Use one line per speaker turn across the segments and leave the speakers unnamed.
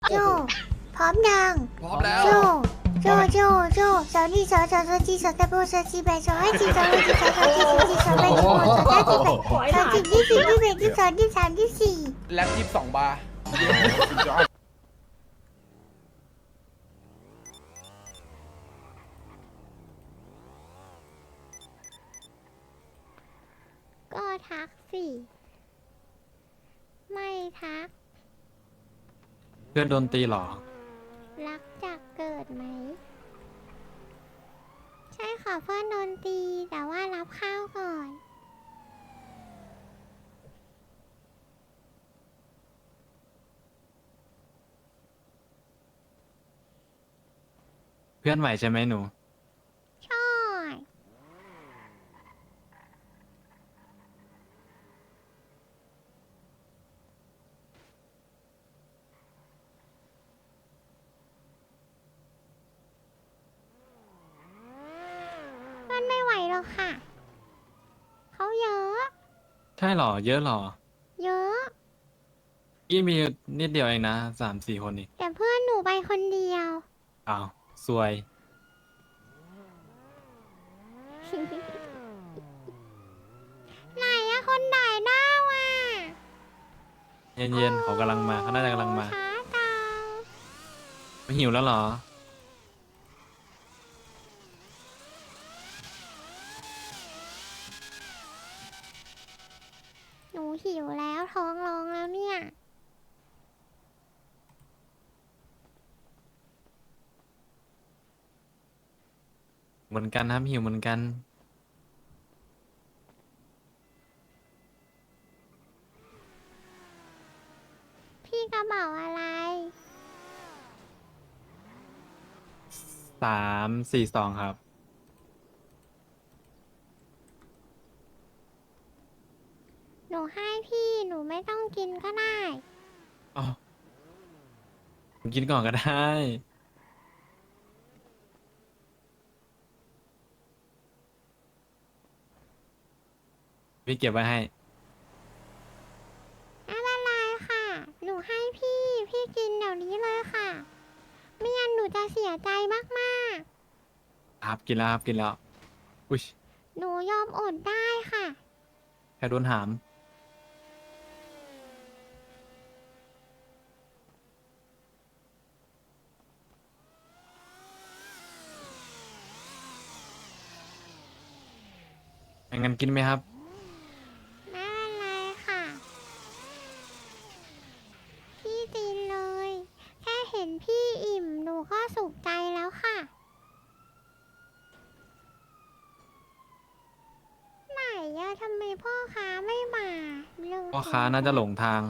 โจพร้อมยัง
พร้อมแล้ว
โจโจสาวนี่สาวจีสาวตะโบสาวจีแบสาวให้จีสาวให้จีสาวจีสาวจีสาวแบสาวสาวจีแบสาวจีที่สี่ที่แบที่สองที่สามที่สี่
แล็บ22 บาร์
ก็ทักสิไม่ทัก
เพื่อนโดนตีเหรอ
รักจากเกิดไหมใช่ค่ะเพื่อนโดนตีแต่ว่ารับข้าวก่อน
เพื่อนใหม่ใช่ไหมหนู
ใช่เพื่อนไม่ไหวหรอกค่ะเขาเยอะ
ใช่เหรอ เยอะเหรอ
เยอะ
พี่มีนิดเดียวเองนะ3-4 คนนี่
แต่เพื่อนหนูไปคนเดียว
อ้าวซวย
ไหนอะคนไหนหน้าว่ะ
เย็นๆเขากำลังมาเขาน่าจะกำลังมา
ช้าจัง
ไม่หิวแล้วเหรอ
หนูหิวแล้วท้องร้องแล้วเนี่ย
เหมือนกันครับหิวเหมือนกัน
พี่กระเป๋าอะไร
3-4-2ครับ
หนูให้พี่หนูไม่ต้องกินก็ได้
อ๋อผมกินก่อนก็ได้ พี่เก็บไว้ให้
ไม่เป็นไรค่ะ หนูให้พี่ พี่กินเดี๋ยวนี้เลยค่ะ ไม่งั้นหนูจะเสียใจมาก
ครับกินแล้วครับกินแล้ว อุ้ย
ๆ หนูยอมอดได้ค่ะ
แค่โดนหาม งั้นกินไหมครับ
ไม่เป็นไรค่ะ พี่กินเลย แค่เห็นพี่อิ่มหนูก็สุขใจแล้วค่ะ ไหนอะทำไมพ่อค้าไม่มาเรื่อง
พ่อค้าน่าจะหลงทาง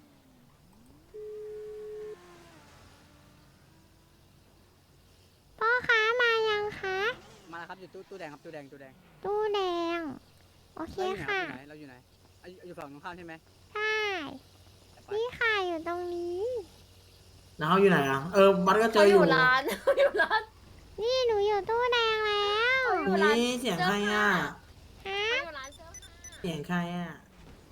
พ่อค้ามายังคะ
มาแล้วครับอยู่ตู้แดงครับตู้แดง
ตู้แดง โอเค
เราอยู่ไหน
ค่ะ
เราอยู่ไหนอยู่ฝั่งตรงข้ามใช่ไหม
ใช่นี่ค่ะอยู่ตรงนี้
แล้วเขาอยู่ไหนอ่ะ บัสก็เจ
เขา
อ
อ
อยู่
ยู่ร้าน เขาอยู่ร้าน
นี่หนูอยู่ตู้แดงแล้ว
อยู่ร้าน
นี่เสียงใครอ่ะ
ฮะ
เขาอยู่ร้านเสื้อผ้า
เสียงใครอ่ะ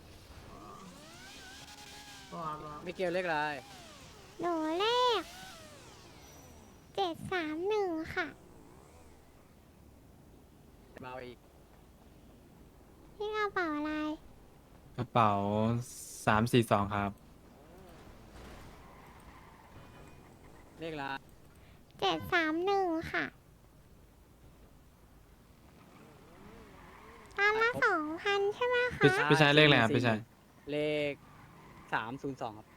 ก็เอา
มิเกลเล็กอะไร
หนูเลข731ค่ะ
เบาอีก
พี่กระเป๋าอะไร
กระเป๋า342ครับ
เลขอะไร
731ค่ะตอนละ2,000ใช่ไหมคะ
พี่ชายเลขอะไรครับพี่ชาย
เลข302ครับ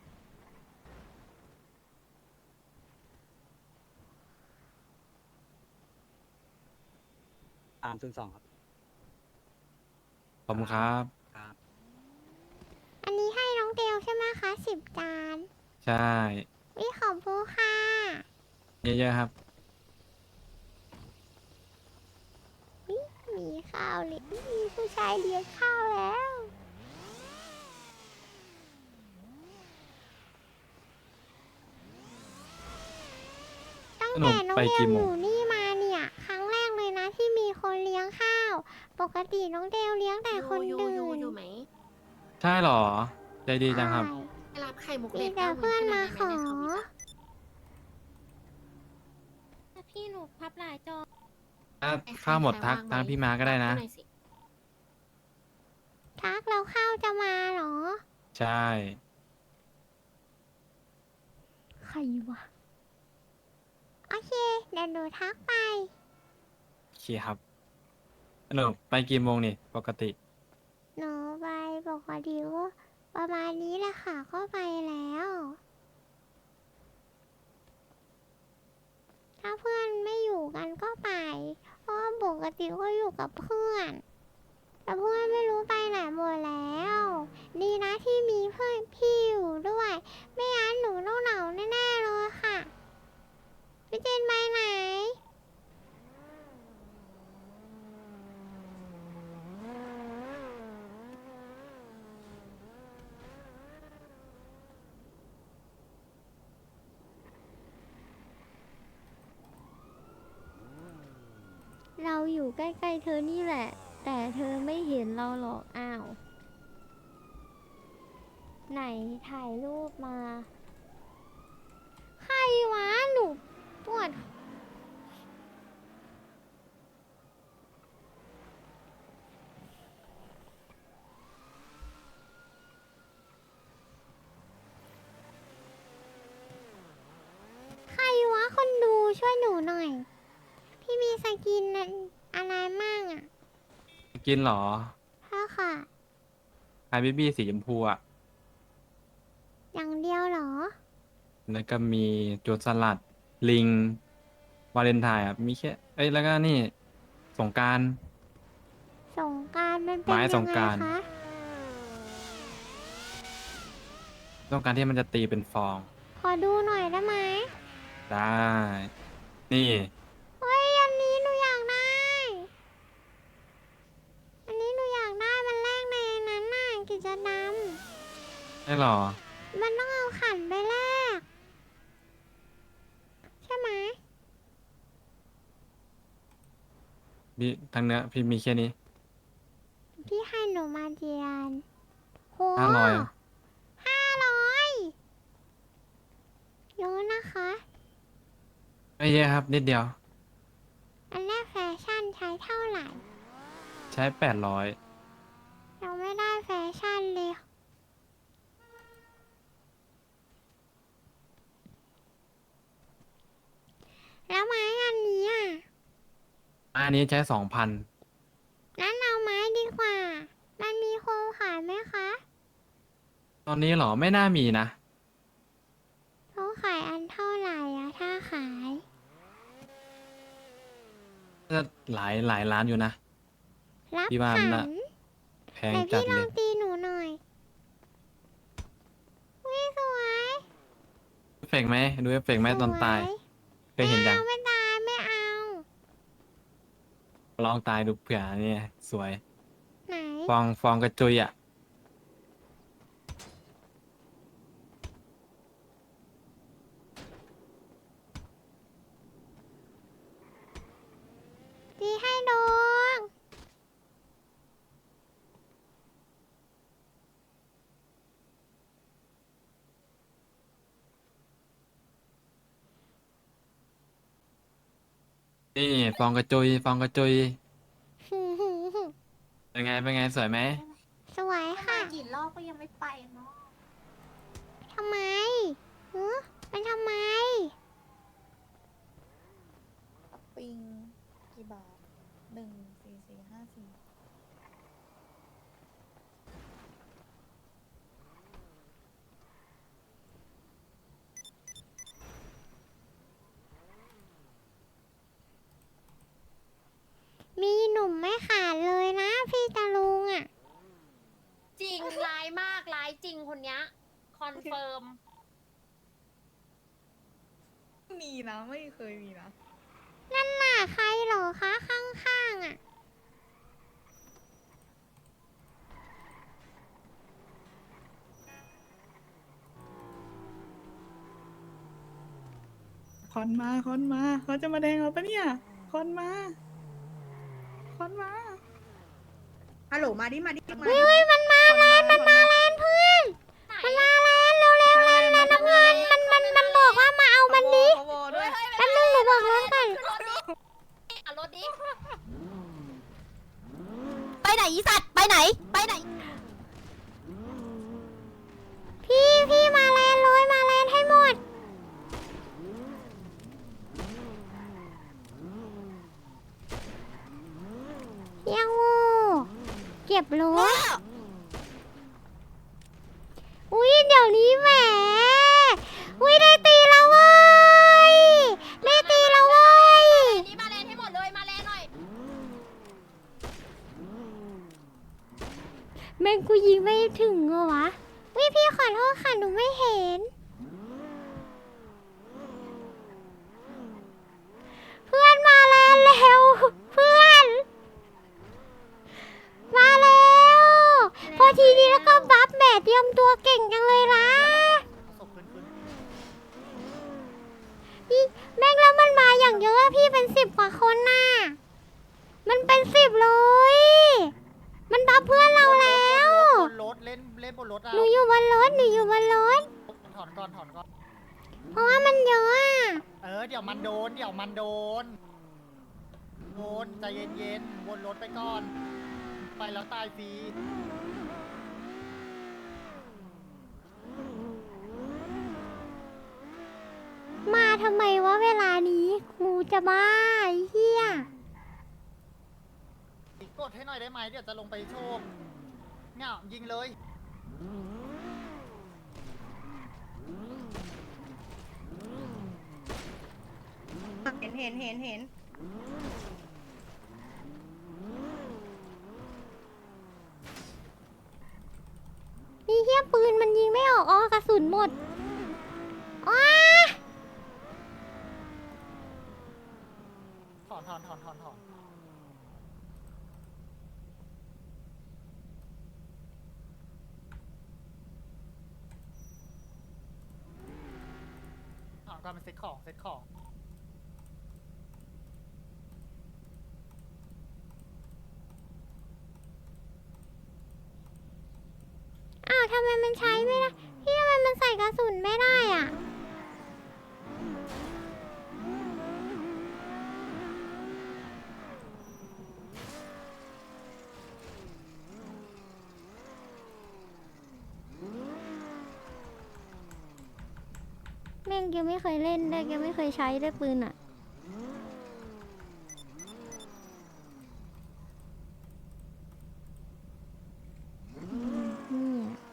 302ครับ
ขอบคุณครับ
ครับ
อันนี้ให้น้องเดลใช่ไหมคะ10 จาน
ใช่
วิขอบคุณค่ะ
เยอะๆครับ
มีข้าวเลยมีผู้ชายเลี้ยงข้าวแล้ว ตั้งแต่น้อง
ไป
เด
กี่
ล
โม
อง ยู่นี่มาเนี่ย ครั้งแรกเลยนะที่มีคนเลี้ยงข้าว ปกติน้องเดลเลี้ยงแต่คน
อยู่
ดื่
อยู่
น
อยู่ไหม
ใช่เหรอ ใจดีจังครับ
ไปรับไข่มุก
มี
เล็ด
แต่เพื่อนมาขอ
ข้าวหมดทักพี่มาก็ได้นะ
ทักเราเข้าจะมาเหรอ
ใช่
ใครวะ โอเค เดี๋ยวหนูทักไป
โอเคครับหนูไปกี่โมงนี่ปกติ
หนูไปปกติก็ประมาณนี้แหละค่ะ ก็ไปแล้ว ถ้าเพื่อนไม่อยู่กันก็ไป เพราะว่าปกติก็อยู่กับเพื่อน แต่เพื่อนไม่รู้ไปไหนหมดแล้ว ดีนะที่มีเพื่อนพี่อยู่ด้วย ไม่งั้นหนูต้องเหงาแน่ๆเลยค่ะ พี่เจนไปไหน เราอยู่ใกล้ๆเธอนี่แหละ แต่เธอไม่เห็นเราหรอกอ้าว ไหนถ่ายรูปมา ใครวะ หนูปวด ใครวะ คนดูช่วยหนูหน่อย พี่มีสกินอะไรมั่งอ่ะ
กินเหรอ
ค่ะค่ะ
ไฮบิบี้สีชมพูอะ
อย่างเดียวเหรอ
แล้วก็มีโจรสลัด ลิง วาเลนไทน์อะมีแค่ เอ้ย แล้วก็นี่ สงกรานต์
สงกรารมันเป็น
ไม้
ยั
ส
ง
ง
ไง
กรานต์
คะ
สงกรานต์ที่มันจะตีเป็นฟอง
ขอดูหน่อยได้ไหม
ได้ นี่
เฮ้ย อันนี้หนูอยากได้ อันนี้หนูอยากได้ มันแลกในนั้นน่ะกิจกรรม
ได้หรอ
มันต้องเอาขันไปแลก ใช่ไหม
พี่ทางเนื้อพี่มีแค่นี้
พี่ให้หนูมาเจียนโห
500อะ
500เยอะนะคะ
ไม่เยอะครับ นิดเดียว
อันแรกแฟชั่นใช้เท่าไหร่
ใช้800
เราไม่ได้แฟชั่นเลย แล้วไม้อันนี้อ่ะ
อันนี้ใช้2,000
งั้นเอาไม้ดีกว่า มันมีโครงขายไหมคะ
ตอนนี้เหรอ ไม่น่ามีนะ
เขาขายอันเท่าไหร่อะถ้าขาย
จะหลายล้านอยู่นะ
รับ
พี่ว่า
ขั
น่ะ
น
แพง
ไหน
จั
พี่
ด
ล
เล
อง
ย
ตีหนูหน่อยวิสวย
เอฟเฟกต์ไหมดูเอฟเฟกต์ไหมตอนตาย
สว
เคยเห็นยัง
ไม่ตายไม่เอา
ลองตายดูเผื่อเนี่ยสวย
ไหน
ฟองกระจุยอ่ะ
ตีให้โดง
นี่ฟองกระจุยเป็นไงสวยไหม
สวยค่ะ
กี่รอบก็ยังไม่ไปเนาะ
ทำไมมันทำไม
ปิงกี่บาท14454
มีหนุ่มไม่ขาดเลยนะพี่ตาลุงอ่ะ
จริงร้ายมากร้ายจริงคนเนี้ยคอนเฟิร์ม
มีนะ ไม่เคยมีนะ
นั่นน่ะใครเหรอคะข้างๆอ่ะ
คอนมาเขาจะมาแดงเราปะเนี่ย คอนมา ฮัลโหลมาดิ มาดิ
เฮ้ยมันมาแลนเพื่อน มันมาแลนเร็วๆมันน้ำเงินมันบอกว่ามาเอามันดิ
ขโมยด้วย
แป๊บนึงหนูบอกรถก่อน
เอารถดิ
อีสัตว์ไปไหนไปไหน
พี่มาแลนเลยมาแลนให้หมดยังงูเก็บรถอุ้ยเดี๋ยวนี้แหมอุ้ยได้ตีแล้วเว้ยได้ตีแล้วเว้ย
นี่มาแลนให้หมดเลยมาแลนหน่อย
แม่งกูยิงไม่ถึงเหรอวะวิพี่ขอโทษค่ะหนูไม่เห็น เพื่อนมาแล้วเร็วเพื่อน มาแล้วพอทีนี้แล้วก็บัฟแหมเตรียมตัวเก่งจังเลยนะพี่แม่งแล้วมันมาอย่างเยอะพี่เป็น10 กว่าคนน่ะมันเป็น10เลย มันบัฟเพื่อนเราแล้ว
บนรถเล่นบนรถอ่ะ
หนูอยู่บนรถ
ถอนก่อน
เพราะว่ามันเยอะอะ
เดี๋ยวมันโดนใจเย็นๆวนรถไปก่อน ไปแล้วตายฟรี
มาทำไมวะเวลานี้กูจะบ้าไอ้เหี้ย
กดให้หน่อยได้ไหมเดี๋ยวจะลงไปโชว์เนี่ยยิงเลย
เห็น
นี่เหี้ยปืนมันยิงไม่ออกอ๋อกระสุนหมดอ้า
ถอนก่อนมันเซ็ตของ
อ้าวทำไมมันใช้ไม่ได้พี่ทำไมมันใส่กระสุนไม่ได้อ่ะแม่งยังไม่เคยเล่นด้วยยังไม่เคยใช้ด้วยปืนอ่ะนี่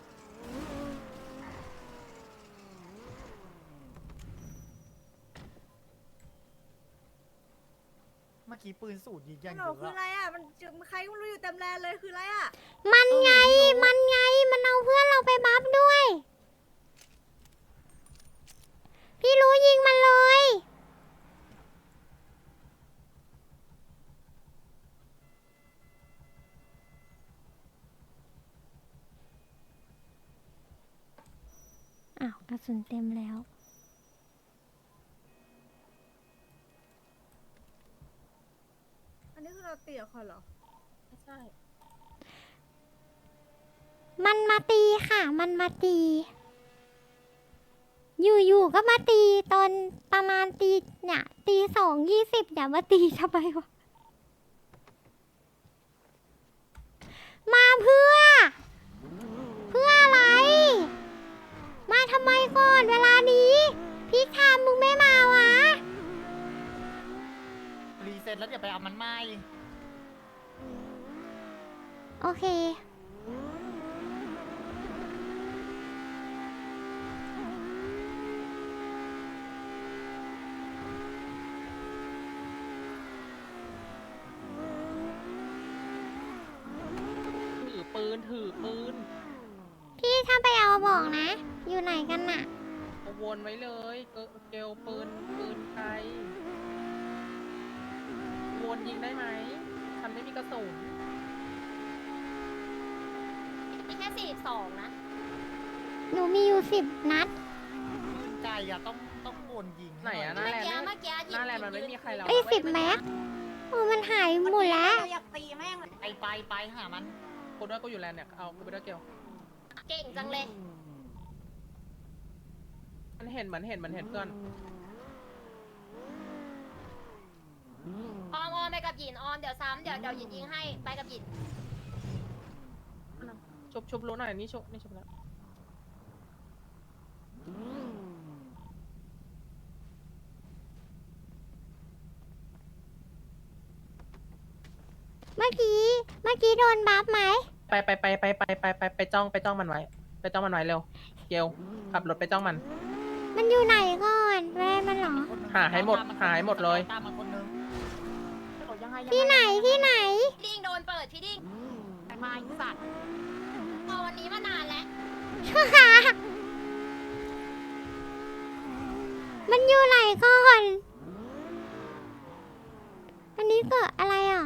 เมื่อกี้ปืนสูตรยิงอย่าง
ห
เย
นูคือ
อะ
อะไรอ่ะมันใครก็ไม่รู้อยู่เต็มแลนเลยคืออะไรอ่ะ
มันไง มันเอาเพื่อนเราไปบัฟด้วย พี่รู้ยิงมันเลย อ้าว กระสุนเต็มแล้ว
อันนี้คือเราเตี่ยคอนเหรอ
ใช่
มันมาตีค่ะ มันมาตี อยู่ๆก็มาตีตอนประมาณตีเนี่ยตี 2:20อย่ามาตีทำไมวะ มาเพื่ออะไร มาทำไมก่อนเวลานี้พี่ทามมึงไม่มาวะ
รีเซ็ตแล้วเดี๋ยวไปเอามันไหม้
โอเค
ถือปืน
พี่ถ้าไปเอาบอกนะ อยู่ไหนกันน่ะ
เอาวนไว้เลยเกลปืนใครวนยิงได้ไหมฉันไม่มีกระสุน
มีแค่42นะ
หนูมีอยู่10 นัด
ใจอะต้องวนยิง
ไหนอะห
เมื่
น้า
อ
แลน
กี้
ด์
เมื่อกี้
หน้าแลนด์มันไม่มีใครแล้ว
เอ้ย10 แม็กมันหายหมดแล้ว
อยากตีแม่งเลย
ไปหามัน
กูด้วยกูอยู่แลนด์เนี่ยเอากูไปด้วยเกล
เก่งจังเลย
มันเห็นเพื่อน
ออมไปกับหยินออมเดี๋ยวซ้ำเดี๋ยวหยินยิงให้ไปกับหยิน
ชุบรู้หน่อยนี่ชุบแล้ว
เมื่อกี้โดนบัฟไหม
ไปจ้องมันไว้เร็วเกลขับรถไปจ้องมัน
มันอยู่ไหนก่อนแม่มันเหรอ
หาให้หมดเลย
ตามมาคนนึง
ที่ไหน
ดิ้งโดนเปิดพี่ดิ้งมาอีสัตว์พอวันนี้มานานแล้ว
มันอยู่ไหนก่อน อันนี้เกิดอะไรอ่ะ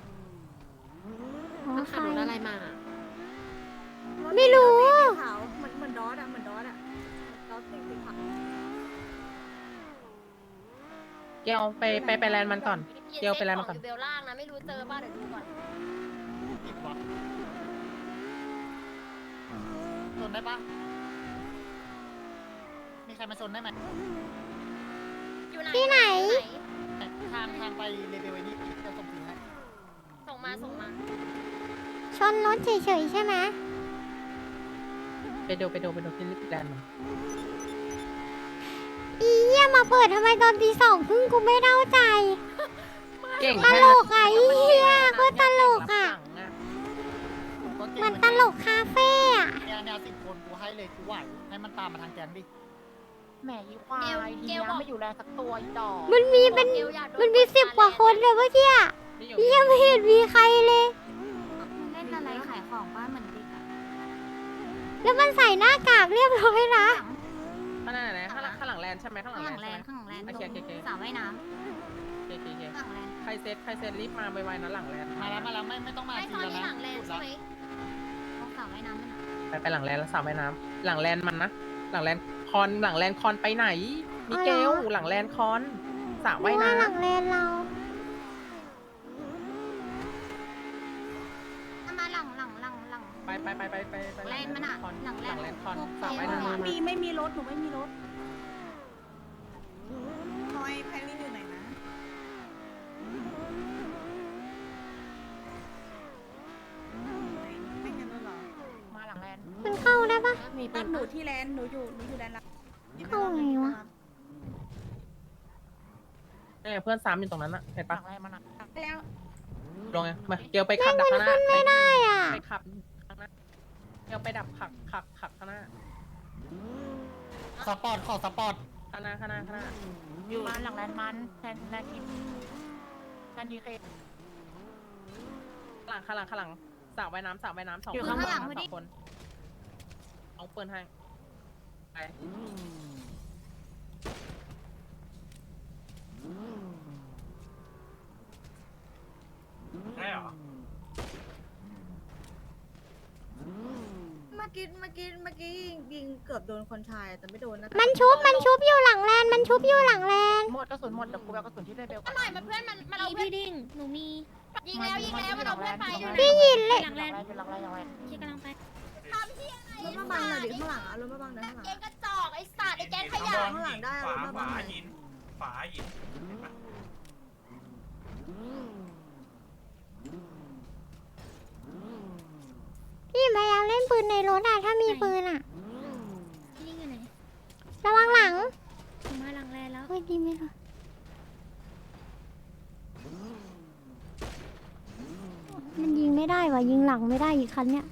อ๋อ
มัน
ไฟ
ขับรถอะไรมา
ไม่รู้
ขาวเหมือนดอสอะดอสสีขาว
เกลไปแลนด์มันก่อน เกลไปแลนด์มันก่อน
อยู่เบลล่างนะไม่รู้เจอป่ะเดี๋ยวดูก่อน
ผิดวะชนได้ปะมีใครมาชนได้ไหม
อยู่ไหน
ที่ไหน
ทางไปเลเวลไอ้นี่จะส่งถึงให้
ส่งมา
ชนรถเฉยๆใช่ไหม
ไปดูที่แลนด์มัน
อีเหี้ยมาเปิดทำไมตอนตี 2:30กูไม่เข้าใจ
เก่ง
ตลกอ่ะอีเหี้ยก็ตลกอ่ะ
ก็เก่ง
มันตลกคาเฟ่อะ
เนี่ย10 คนกูให้เลยกูไหวให้มันตามมาทางแกงดิ
แหมยี่ควายเกลไม่อยู่แลสักตัวอีดอก
มันมีเป็น10 กว่าคนเลยเมื่อกี้อะเหี้ยไม่เห็นมีใครเลย
เล่นอะไรขายของบ้านเหมือนเด็กอะ
แล้วมันใส่หน้ากากเรียบร้อยนะ
ข้างหน้าไหนข้างหลังแลนด์ใช่ไหมข้างหลัง
ข้างห
แล
ลั
น
ง
ด์
แล
ใช่
น
ไหม
ด์ข้างหลังแลนด์
โอเค
สระว่ายน้
โอเค
ำข้างหลังแลนด์
ใครเซตรีบมาไวๆนะหลังแลนด์
มาแล้วไม่ต้องมา
ไม่
ที
ซอย
แล้ว
มี
นะ
หลังแลนด์ใช่ไหม
ต้องสระว่ายน้ำมันอะ
ไปหลังแลนด์แล้วสาวว่ายน้ำหลังแลนด์มันนะหลังแลนด์คอนไปไหนมิเกลหลังแลนด์คอนสาวว่าย
ว่า
น้ำ
หลังเลนเรา
มาหลัง
ไป
แลนด์มันอะ
คอน
หลังแลนด์
คอนสาวว่ายน้ำ
ไม่มีรถหนูไม่มีรถพลอยแพรรี่อยู่ไหนนะไม่งั้นหรอมาหลังแลนด์
มันเข้าได้ปะ
มี
ต
ปื
อน
น
หนูที่แลนด์หนูอยู่แลนด์ละ
เข้าไงวะ
เนี่ยเพื่อนซ้ำอยู่ตรงนั้นอะเห็นปะ
ไปแล้ว
ลงไงมาเกลไปขับดักข้างหน้า
ไม่ได้อ่ะ
ไปขับข้างหน้าเกลไปดับขับข้างหน้า
สปอร์ตขอสปอร์ต
ข้างหน้า
อยู่มาหลังแลนด์มันแลนด์ทีมแลนด์ดีเค
ข้างหลังสาวว่ายน้ำสอง
อยู่
คน
ข้างหลังพอดี
สองคนเอาปืนให้ไปได้เหรอ
เมื่อกี้ยิงเกือบโดนคนชายแต่ไม่โดนนะ
มันชุบอยู่หลังแลนมันชุบอยู่หลังแลน
หมดกระสุนหมดเดี๋ยวกูเอากระสุนที่ได้เบล
อร่อยมันเพื่อนมันเอาเพื่อนดิ้งหนูมียิงแล้วมันเอาเพื่อนไปอยู่ไหน
พี่ยินเลย
หลังแลนด์ที่กำลังไป
ทำที่อะไร
รถมาบังหน่อยดิข้างหลังอะรถมาบังหน่อยข้างหลัง
แกงกระจอกไอ้สัตว์ไอ้แกงขยะ
ข้างหลังได้รถมาบังหน่อย
ฝาหิน
พี่พยายามเล่นปืนในรถอ่ะถ้ามีปืนอ่ะ
นี่อยู่ไหน
ระวังหลัง
มาหลังแลนด์แล้ว
เฮ้ยดีไหมล่ะมันยิงไม่ได้ว่ะยิงหลังไม่ได้อีกคันเนี้ย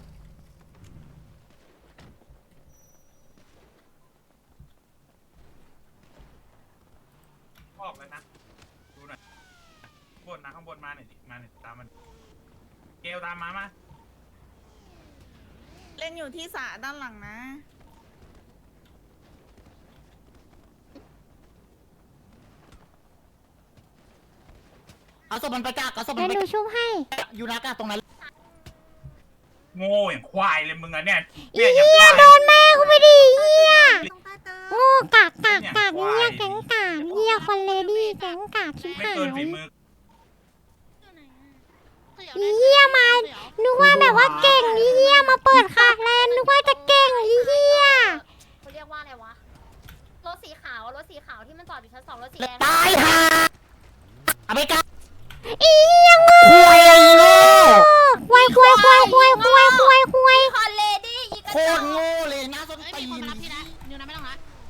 ออกแล้วนะ ดูหน่อยบนนะข้างบนมาหน่อยดิมาหน่อยตามมัน เกลตามมา
เล่นอยู่ที่สระด้านหลังนะ
เอาศพมันไปกักเอาศพ
เดี๋
มั
ย
น
ว
ไป
ดูชุบให้
อยู่นะกักตรงนั้น
โง่อย่างควายเลยมึงอะเนี่ย
อี
เนี่ยอย่าง
เหี้
ควาย
โดนแม่กูไปดิเหี้ย
ต้องใต้เติม
โง่กากเหี้ยแก๊งกากเหี้ยคอนเลดี้แก๊งกากชิบ
ไม่
หาย
เกินฝีมือ
อีเหี้ยมานึกว่าแบบว่าเก่งอีเหี้ยมาเปิดคาแลนนึกว่าจะเก่งอีเหี้ย
เขาเรียกว่าอะไรวะรถสีขาวที่มันจอดอยู่ชั้น 2รถสีแดง
ตายห่าเอาไปกัก
อีเหี้ยโง่
คุยไอ้โง่
ควาย
คอนเล
ตรโง่เลยนะส้น
ไม่
ตี
มีคน
น
มารับพี่นะนิวนะไม่ต้องละ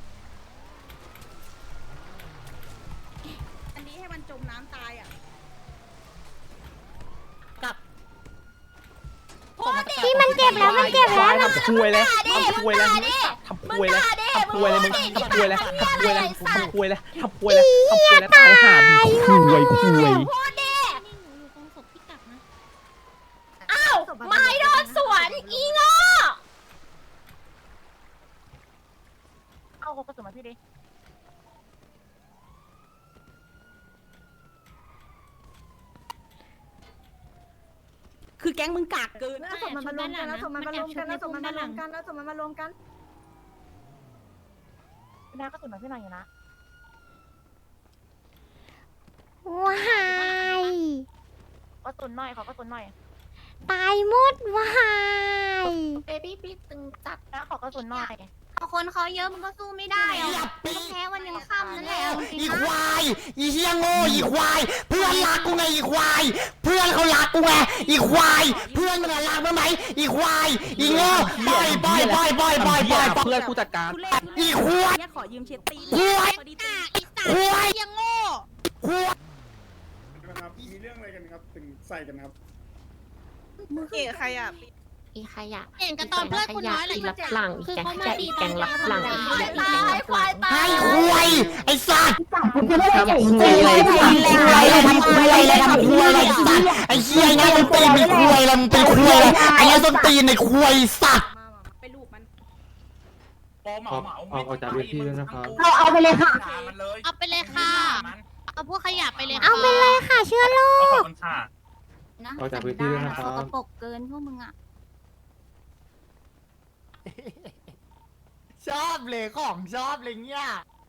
อันนี้ให้มันจมน้ำตายอ่ะ
ที่มันเจ็บแล้วมันเจ็บแล้ว
ทำคุยเลยทำคุยเลยทำคุยเลยทำคุยเลยมึงทำคุยเลยทำคุยเลยทำคุยเลยทำคุยเลยทำคุยเลยตายห่าคุยคุย
พูดดิอ้าวไม้โดนสวนอีโง่
เอากระสุนมาพี่ดิ
คือแก๊งมึงกากเกินแล้วส่งมันมารวมกันแล้วส่งมันมารวมกันแล้วส่งมันมารวมกันแล้วส่งมันมารวมกัน
น้ากระสุนมาพี่หน่อยอยู่นะ
ว้าย
กระสุนหน่อยขอกระสุนหน่อย
ตายหมดว้าย
เบบี้พี่ตึงจัด
น้าขอกระสุนหน่อย
คนเขาเยอะมันก็สู้ไม่ได้อะก็แพ้วันยังค่ำนั่นแหละ
อีควายอีเฮียโง่อีควายเพื่อนรักกูไงอีควายเพื่อนเขารักกูไงอีควายเพื่อนมันรักมั้ยไหมอีควายอีโง่ปล่อยเพื่อนกูจัดการอีควาย
ขอยืมเช็ดตี
ควาย
อีสัต
ควาย
ว์ยังโง่
ควาย
ครับมีเรื่องอะไรกันครับถึงใส่กันครับ
มึงเกะใครอ่ะ
อีขยะ
เห็นกันตอนเพื่อนคุณน้อยเลย
อีรับหลังอีแกงขยะอีแกงรับหลังอีขยะอีแกงรับหลัง
ให้ควายไอ้สัตว์
ทำคุยอะไร
ทำคุยอะไรสัตว์ไอ้เฮียนี่มันตีนเป็นควายอะไรมันเป็นควายอะไรไอ้เนี่ยต้นตีนในควายสัตว์
ไปลูกมัน
เอาจากเวทีด้วยนะครับ
เอาไปเลยค่ะมันเลย
เอาไปเลยค่ะเอาพวกขยะไปเลย
เอาไปเลยค่ะเชื้อโร
ขอบ
ค
คุณค่ะ
นะ
เอาจากพื้นที่ด้วยนะครับ
สกปรกเกินพวกมึงอ่ะ
ชอบเลยของชอบเลยเนี่ย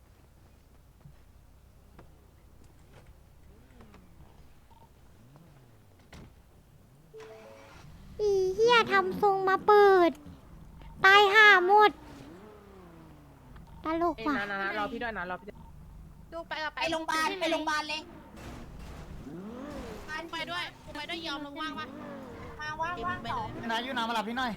อีเหี้ยทำทรงมาเปิด ตายห่าหมดตลกว่ะ
นะรอพี่ด้วยนะรอพี่ด้วย
ดูไปกับไปโรงพยาบาลไปโรงพยาบาลเลยไปด้วยไปด้วยยอมลงว่างปะว่างไปเลย
นายยูนามาหลับพี่หน่อย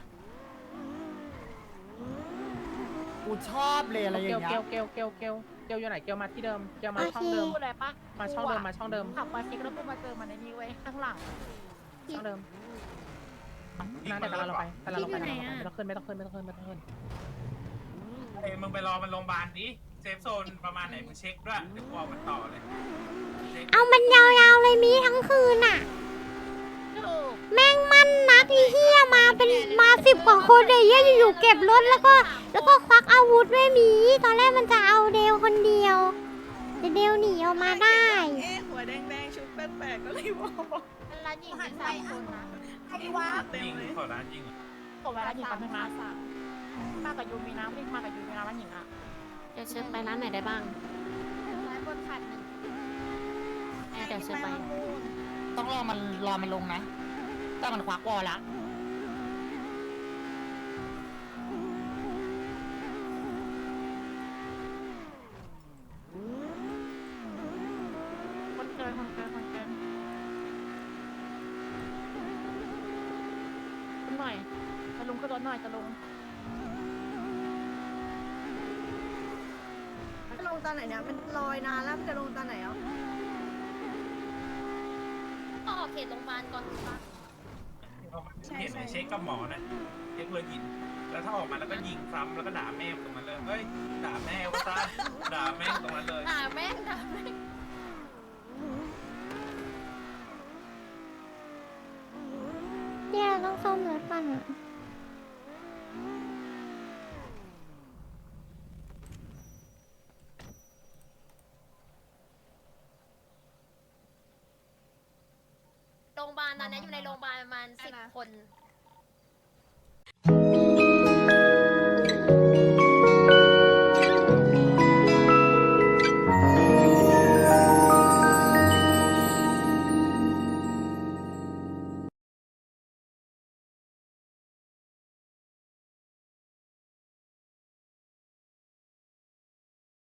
กูชอบเลยอะไรอย่าง
เกล
เงี้ย
เกลเกลเกลเกลอยู่ไหนเกลมาที่เดิมเกลมาช่องเดิม
พูดอะไรปะ
มาช่องเดิมมาช่องเดิม
ขับมาซิกแล้วกูมาเจอมันในนี้เว้ยข้างหลัง
ช่องเดิมนะเดี๋ยวเราไปแต่เราไปไม่ต้องขึ้นไม่ต้องขึ้นไม่ต้องขึ้นไม่ต้องขึ้น
เอ้ยมึงไปรอมันโรงพยาบาลดิเซฟโซนประมาณไหนมึงเช็คด้วยเดี๋ยวกูเอามันต่อเลยช็ค
เอามันยาวๆเลยมีทั้งคืนอ่ะ แม่งมันนักอีเหี้ยมาเป็นมา10 กว่าคนเลยเหี้ยอยู่ๆเก็บรถแล้วก็ควักอาวุธด้วยหมี ตอนแรกมันจะเอาเดวคนเดียวแต่เดวหนีออกมาได้
หัวแดงๆชุดแปลกๆก็เลยบอก
ร้านหญิงมี3 คนนะ
ยิงขอร้านยิง
ตกเวลาหญิงกันมามากับยูมีน้ำไม่มากับยูมีน้ำร้านหญิงอ่ะเดี๋ยวเชิญไปร้านไหนได้บ้าง
ร้านบนขัดหนึ่ง
เดี๋ยวเชิญไป
ต้องรอมันลงนะถ้ามันควักวอลละ
คนเกินขึ้นหน่อยจะลงขึ้นรถหน่อยจะลง
จะลงตอนไหนเนี่ยมันลอยนานแล้วมันจะลงตอนไหนอ่ะ
ก็ออกเขตโรงพยาบาลก่อนถูกปะ
เห็นไหมเช็คกับหมอนะเช็คเลยยิงแล้วถ้าออกมาแล้วก็ยิงซ้ำแล้วก็ด่าแม่ตรงนั้นเลยเฮ้ยด่าแม่วะตาด่าแม่ตรงนั้นเลย
ด่าแม่งด่าแม่ง
เนี่ยเราต้องซ่อมรถก่อนอะ
โรงพยาบาลตอนนี้อยู่ในโรงพยาบาลประมาณ10 คน